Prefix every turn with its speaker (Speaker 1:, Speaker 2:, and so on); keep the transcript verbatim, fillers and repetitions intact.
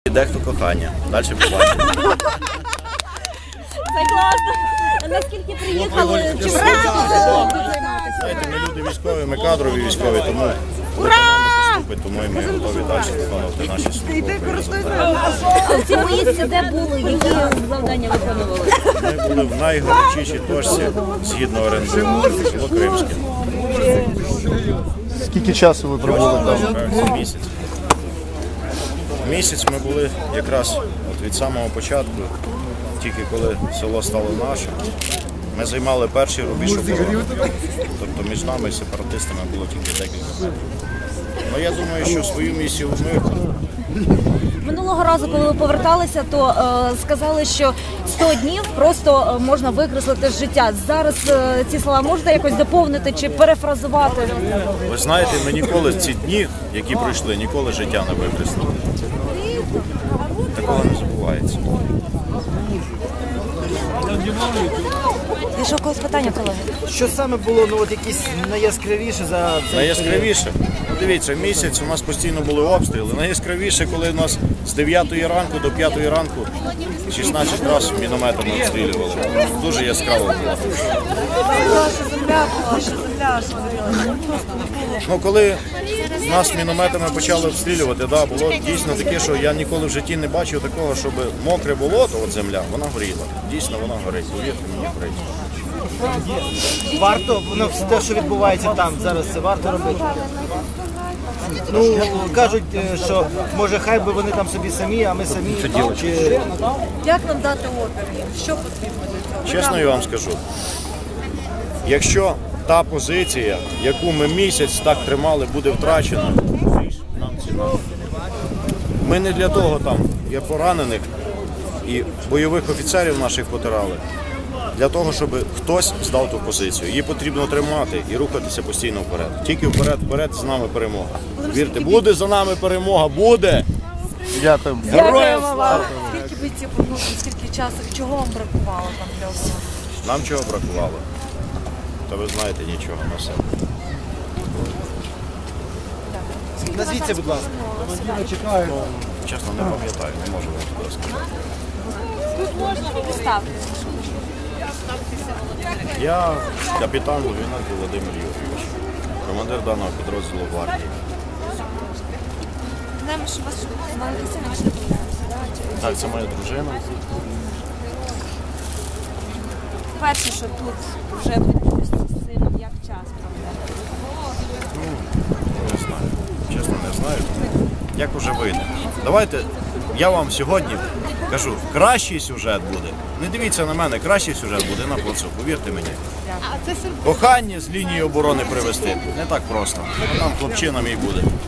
Speaker 1: Дехто кохання. Далі побачимо.
Speaker 2: Це класно. А наскільки приїхали? Чи вразили займатися?
Speaker 1: Знаєте, ми люди військові, ми кадрові військові, тому
Speaker 2: Ура!
Speaker 1: поступить, тому і ми готові далі виконувати наші службові.
Speaker 2: А в цьому місці де були? Які завдання виконували?
Speaker 1: Ми були в найгарячішій точці згідно РНБО, село Кримське.
Speaker 3: Скільки часу ви пробули там?
Speaker 1: Це місяць. Місяць ми були якраз от від самого початку, тільки коли село стало наше. Ми займали перший рубіж оборони. Тобто між нами і сепаратистами було тільки декілька метрів. Ну, я думаю, що свою місію ми виконали.
Speaker 2: Минулого разу, коли ви поверталися, то е, сказали, що сто днів просто е, можна викреслити з життя. Зараз е, ці слова можете якось доповнити чи перефразувати?
Speaker 1: Ви знаєте, ми ніколи ці дні, які пройшли, ніколи життя не викреслили. Такого не забувається.
Speaker 2: І що, когось питання, колеги?
Speaker 4: Що саме було ну, от якісь найяскравіше за цей
Speaker 1: Найяскравіше, ну, дивіться, місяць у нас постійно були обстріли. Найяскравіше, коли у нас з дев'ятої ранку до п'ятої ранку шістнадцять разів мінометами обстрілювали. Дуже яскраво було. Ну, коли нас мінометами почали обстрілювати, да, було дійсно таке, що я ніколи в житті не бачив такого, щоб мокре болото, от земля, вона горіла. Дійсно, вона горить, повірте мені, горить.
Speaker 4: Варто, ну, те, що відбувається там зараз, це варто робити. Ну, кажуть, е, що може хай би вони там собі самі, а ми самі. Чи...
Speaker 5: Як нам дати опір? Що потрібно для цього?
Speaker 1: Чесно я вам скажу, якщо та позиція, яку ми місяць так тримали, буде втрачена, нам ціна. Ми не для того там є поранених і бойових офіцерів наших потирали, для того, щоб хтось здав ту позицію. Її потрібно тримати і рухатися постійно вперед. Тільки вперед, вперед, з нами перемога. Вірте, буде за нами перемога, буде!
Speaker 3: Дякую.
Speaker 1: Героям слава!
Speaker 5: Скільки бійців повернути, скільки часу, чого вам бракувало там для всього?
Speaker 1: Нам чого бракувало? Та ви знаєте, нічого на все.
Speaker 4: Назвіться, будь ласка.
Speaker 1: Чесно, не пам'ятаю, не можу вам туди сказати.
Speaker 2: Тут можна поставити.
Speaker 1: Я капітан Логвиненко Володимир Юрійович, командир даного підрозділу гвардії.
Speaker 2: Знаємо, що у вас маленька сина, ви ж не боїтеся.
Speaker 1: Так, це моя дружина.
Speaker 2: Перше, що тут вже відбулося з сином, як час проведете?
Speaker 1: Не знаю. Чесно, не знаю. Як уже вийде. Давайте, я вам сьогодні кажу, кращий сюжет буде. Не дивіться на мене, кращий сюжет буде на плацу, повірте мені. Кохання з лінії оборони привезти не так просто. Там хлопчина мій буде.